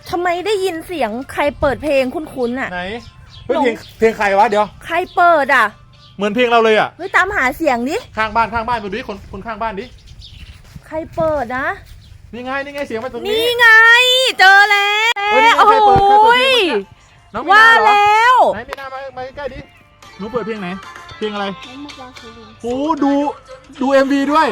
ทำไมได้ยินเสียงใครเปิดเพลงคุ้นๆอ่ะไหนเฮ้ยเพลงใครวะเดี๋ยวใครเปิดอ่ะเหมือนเพลงเราเลยอ่ะเฮ้ยตามหาเสียงดิข้างบ้านมาดูดิคนข้างบ้านดิใครเปิดนะนี่ไงเสียงมาตรงนี้นี่ไงเจอแล้วโอ้โหน้องมีนาเหรอแล้วไหนมีนามาใกล้ดิหนูเปิดเพลงไหนเพลงอะไรโอ้ดู MV ด้วย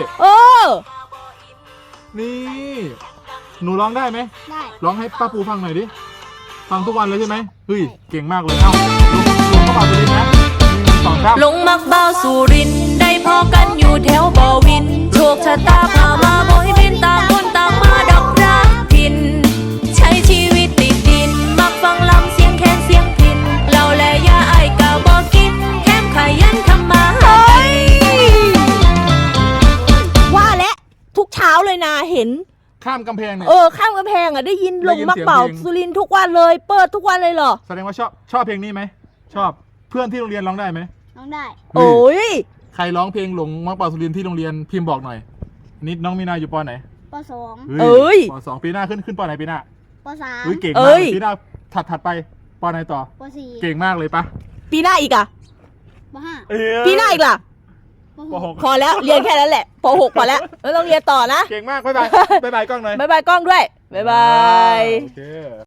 นี่หนูร้องได้ไหมได้ร้องให้ป้าปูฟังหน่อยดิฟังทุกวันเลยใช่ไหมเฮ้ยเก่งมากเลยเอ้าลงเข้ามาดูดินะลงมักเบาสุรินได้พอกันอยู่แถวบ่อวินโชคชะตาพามาบ่ให้บินต่างคนต่างมาดอกรักพินใช้ชีวิตติดดินมักฟังลำเสียงแคนเสียงพินเราและยาไอ้กะบอกกินแถมขยันทำมาหาว่าและทุกเช้าเลยนะเห็นข้ามกำแพงเนี่ยข้ามกำแพงอ่ะได้ยินลงมักเป่าสุรินทุกวันเลยเปิดทุกวันเลยเหรอแสดงว่าชอบเพลงนี้ไหมชอบเพื่อนที่โรงเรียนร้องได้ไหมร้องได้โอ้ยใครร้องเพลงหลงมักเป่าสุรินที่โรงเรียนพิมพ์บอกหน่อยนิดน้องมีนาอยู่ป.ไหนป.2 ป.2ปีหน้าขึ้นป.ไหนปีหน้าป.3 เก่งมากปีหน้าถัดไปป.ไหนต่อป.4 เก่งมากเลยปะปีหน้าอีกอ่ะป .5ปีหน้าอีกล่ะป.6 พอแล้วเรียนแค่นั้นแหละป.6พอแล้วไม่ต้องเรียนต่อนะเก่งมากบ๊ายบายกล้องหน่อยบ๊ายบายกล้องด้วยบ๊ายบาย